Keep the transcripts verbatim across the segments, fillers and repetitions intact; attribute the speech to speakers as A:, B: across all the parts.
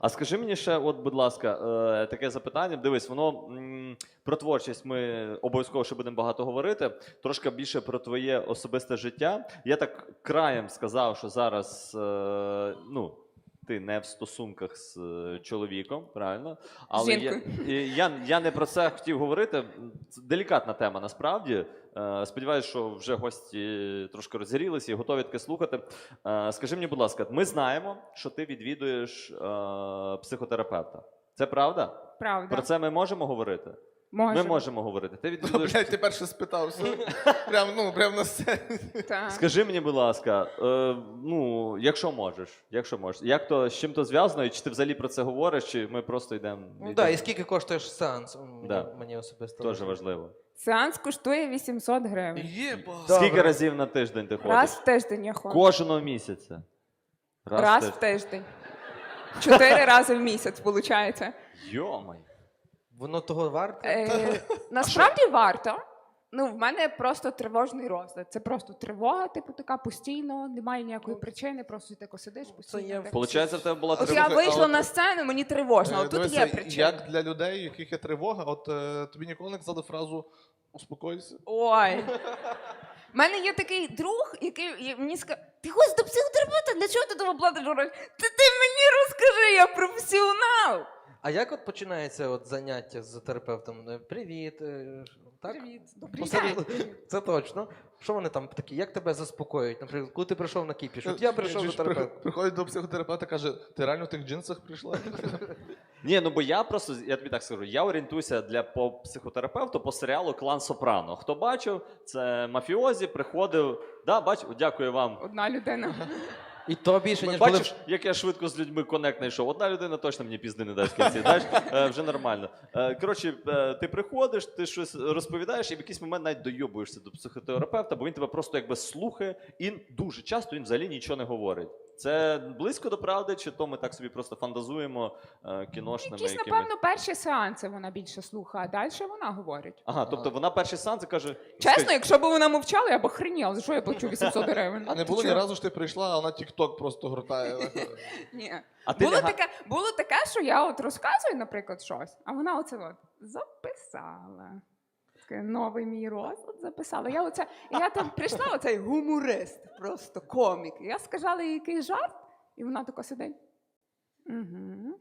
A: А скажи мені ще, от, будь ласка, е, таке запитання. Дивись, воно м, про творчість ми обов'язково ще будемо багато говорити. Трошки більше про твоє особисте життя. Я так краєм сказав, що зараз е, ну, ти не в стосунках з е, чоловіком, правильно? Але я, і я, я не про це хотів говорити. Це делікатна тема насправді. Е, Сподіваюсь, що вже гості трошки розгорілися і готові таке слухати. Е, Скажи мені, будь ласка, ми знаємо, що ти відвідуєш е, психотерапевта. Це правда?
B: Правда.
A: Про це ми можемо говорити?
B: Можемо.
A: Ми можемо говорити. Ти
C: Ну,
A: відвідуєш...
C: блядь, ти перше спитався. Прям, ну, прям на сцені.
B: Так.
A: Скажи мені, будь ласка, е, ну, якщо можеш, якщо можеш, як то, з чим то зв'язано, і чи ти взагалі про це говориш, чи ми просто йдемо...
D: Ну так, і скільки коштує ж сеанс? Мені,
A: Да.
D: мені особисто.
A: Теж важливо.
B: Сеанс коштує вісімсот гривень.
C: Єба.
D: Да.
A: Скільки
D: Добре.
A: разів на тиждень ти ходиш?
B: Раз в тиждень я ходжу.
A: Кожного місяця.
B: Раз в тиждень. Чотири рази в місяць, виходить.
A: Йомай.
D: Воно того варте?
B: Е, насправді варто. Ну, в мене просто тривожний розлад. Це просто тривога, типу, така постійно, немає ніякої причини, просто ти тако сидиш постійно.
D: є
B: так.
A: Получається, в тебе була
B: От
A: тривога.
B: я
C: Слухай, а
B: вийшла
C: от-
B: на сцену, мені тривожно,
C: Е,
B: а тут
C: дивися,
B: є причина.
C: Як для людей, у яких є тривога, от е, тобі ніколи не казали фразу «успокойся».
B: Ой. У мене є такий друг, який і мені сказав, ти ходиш до психотерапевта, для чого ти того платиш гроші? Ти, ти мені розкажи, я професіонал.
D: А як от починається от заняття з терапевтом? Е, Привіт. е, Так?
B: Привіт, добрий
D: Посеред-
B: день.
D: Це точно. Що вони там такі? Як тебе заспокоюють? Наприклад, коли ти прийшов на кіпіш? От я прийшов
C: Чи
D: до
C: ж
D: терапевта.
C: при- Приходить до психотерапевта, каже, ти реально в тих джинсах прийшла?
A: Ні, ну бо я просто, я тобі так скажу, я орієнтуюся для по психотерапевту по серіалу «Клан Сопрано». Хто бачив, це мафіозі, приходив, да, бачив, дякую вам.
B: Одна людина.
D: І то більше, ніж коли...
A: Бачиш, як я швидко з людьми коннект знайшов. Одна людина точно мені пізди не дасть в кінці, знаєш, Е, вже нормально. Е, Коротше, е, ти приходиш, ти щось розповідаєш, і в якийсь момент навіть дойобуєшся до психотерапевта, бо він тебе просто якби слухає, і дуже часто він взагалі нічого не говорить. Це близько до правди, чи то ми так собі просто фантазуємо е, кіношними
B: Якісь,
A: якимись...
B: напевно, перші сеанси вона більше слухає, а далі вона говорить.
A: Ага, тобто вона перший сеанс і каже...
B: Чесно, якщо б вона мовчала, я б охреніла, за що я плачу вісімсот гривень.
C: А не
B: Ти
C: було ні
B: чого?
C: разу, що ти прийшла, а вона тік-ток просто гортає.
B: Ні.
A: А ти
B: Було
A: ляга-
B: таке, було таке, що я от розказую, наприклад, щось, а вона оце от записала. Таке, новий мій розклад записала. Я оце, і я там прийшла, оцей гуморист, просто комік. І я сказала їй якийсь жарт, і вона тако сидить. Угу.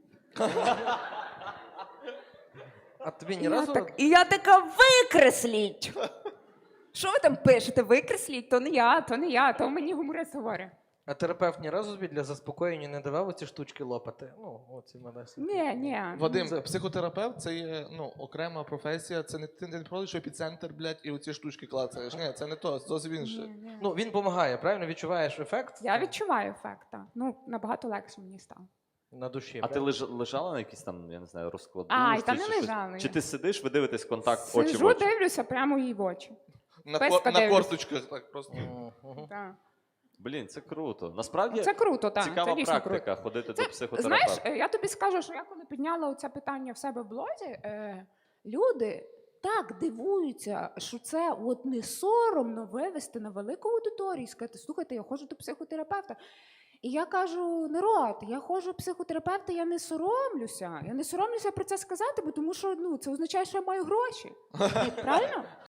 D: А тобі
B: І
D: ні
B: я,
D: разу...
B: так, і я така, викресліть! Що ви там пишете? Викресліть, то не я, то не я, то мені гуморист говорить.
D: А терапевт ні разу тобі для заспокоєння не давав оці штучки лопати? Ну, оці мене.
B: Ні, ні.
C: Вадим,
D: Це-
C: психотерапевт це є ну, окрема професія, це не ти не приходиш в епіцентр, блядь, і оці штучки клацаєш. Ні, це не то, це зовсім
B: Ні,
C: інше.
B: ні.
D: Ну, він допомагає, правильно? Відчуваєш ефект?
B: Я відчуваю ефект, так. Ну, набагато легше мені стало.
D: На душі.
A: А ти
D: правильно?
A: леж- лежала на якійсь там, я не знаю, розкладу?
B: А, і
A: чи
B: там не
A: щось?
B: лежала
A: Чи
B: я.
A: ти сидиш, ви дивитесь контакт очі в
B: Сижу,
A: очі?
B: дивлюся прямо їй в очі.
C: На,
B: Песка
C: кор, на
B: дивлюсь.
C: корточках так просто.
D: Мгм, мгм.
B: Так.
A: Блін, це круто. Насправді
B: Це круто, так.
A: цікава
B: Це дійсно
A: практика
B: круто.
A: ходити
B: Це,
A: до психотерапевта.
B: знаєш, е, я тобі скажу, що я коли підняла оце питання в себе в блозі, е, люди так дивуються, що це от не соромно вивести на велику аудиторію і сказати, слухайте, я ходжу до психотерапевта. І я кажу, народ, я ходжу до психотерапевта, я не соромлюся. Я не соромлюся про це сказати, бо тому що ну, це означає, що я маю гроші. Правильно?